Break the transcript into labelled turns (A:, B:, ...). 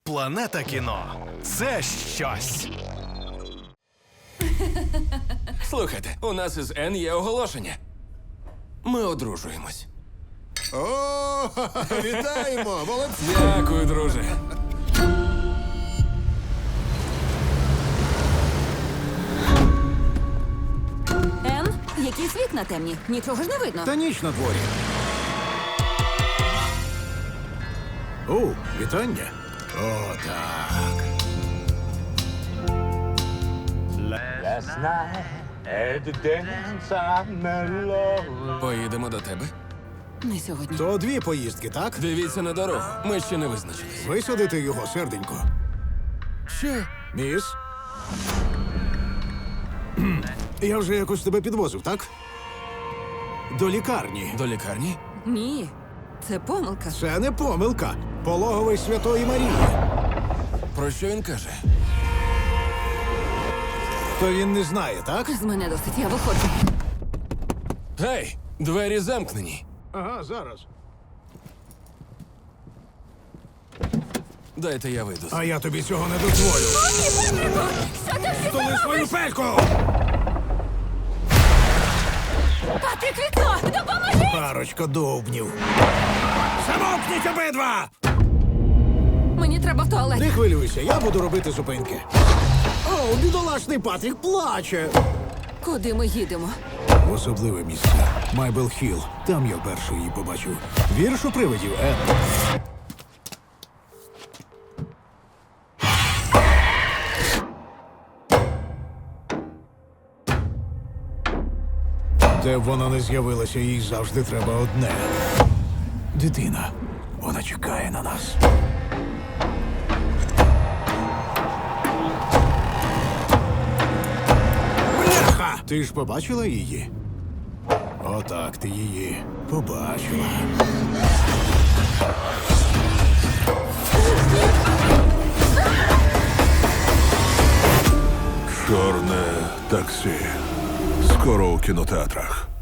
A: Планета кіно – це щось.
B: Слухайте, у нас із Н є оголошення. Ми одружуємось.
C: О, вітаємо! Молодці!
B: Дякую, друже.
D: Ен, якісь вікна темні. Нічого ж не видно.
C: Та ніч на дворі. О, вітання. О, так.
E: Last night at the dance I met love.
B: Поїдемо до тебе.
D: Не сьогодні.
C: То дві поїздки, так?
B: Дивіться на дорогу. Ми ще не визначились.
C: Висадити його, серденько.
B: Що?
C: Міс? Я вже якось тебе підвозив, так? До лікарні.
B: До лікарні?
D: Ні, це помилка.
C: Це не помилка. Пологовий Святої Марії.
B: Про що він каже?
C: То він не знає, так?
D: З мене досить, я виходжу.
B: Гей, двері замкнені.
C: Ага, зараз.
B: Дайте я вийду.
C: А я тобі цього не дозволю.
D: Що ти всі
C: Столи свою пельку!
D: Патрік, вікно! Допоможи!
C: Парочка довбнів. Замовкніть обидва!
D: Мені треба в туалет.
C: Не хвилюйся, я буду робити зупинки. О, бідолашний Патрік плаче.
D: Куди ми їдемо?
C: В особливе місце. Майбел Хілл. Там я перший її побачив. Вірш у привидів, Ен. Де б вона не з'явилася, їй завжди треба одне. Дитина. Вона чекає на нас. Бляха! Ти ж побачила її? Отак ти її побачила.
F: Чорне таксі. Скоро у кінотеатрах.